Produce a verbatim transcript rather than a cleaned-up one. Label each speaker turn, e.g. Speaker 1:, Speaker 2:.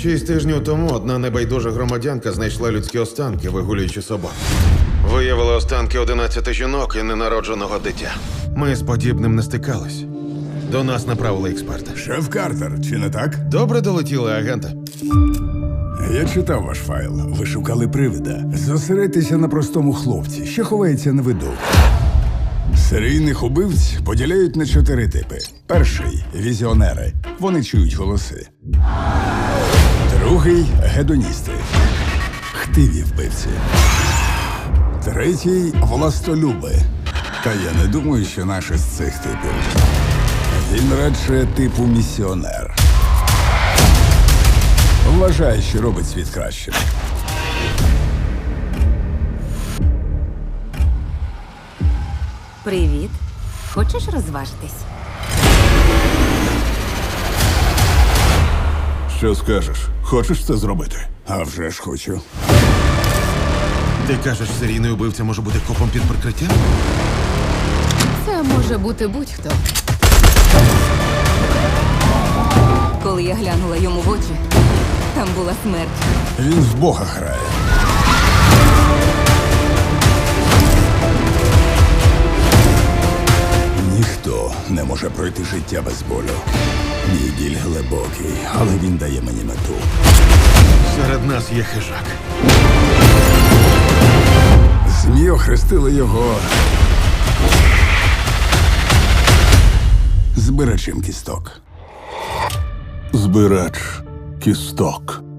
Speaker 1: Шість тижнів тому одна небайдужа громадянка знайшла людські останки, вигулюючи собак. Виявили останки одинадцяти жінок і ненародженого дитя. Ми з подібним не стикались. До нас направили експерта.
Speaker 2: Шеф Картер, чи не так?
Speaker 1: Добре долетіли, агенте.
Speaker 2: Я читав ваш файл. Ви шукали привида. Зосередьтеся на простому хлопці, що ховається на виду. Серійних убивць поділяють на чотири типи. Перший – візіонери. Вони чують голоси. Другий – гедоністи. Хтиві вбивці. Третій – властолюби. Та я не думаю, що наш із цих типів. Він радше типу місіонер. Вважає, що робить світ кращим.
Speaker 3: Привіт. Хочеш розважитись?
Speaker 2: Що скажеш? Хочеш це зробити? А вже ж хочу.
Speaker 1: Ти кажеш, серійний убивця може бути копом під прикриттям?
Speaker 4: Це може бути будь-хто.
Speaker 3: Коли я глянула йому в очі, там була смерть.
Speaker 2: Він в Бога грає. Ніхто не може пройти життя без болю. Мій біль глибокий, але він дає мені мету.
Speaker 1: Серед нас є хижак.
Speaker 2: ЗМІ охрестили його збирачем кісток.
Speaker 5: Збирач кісток.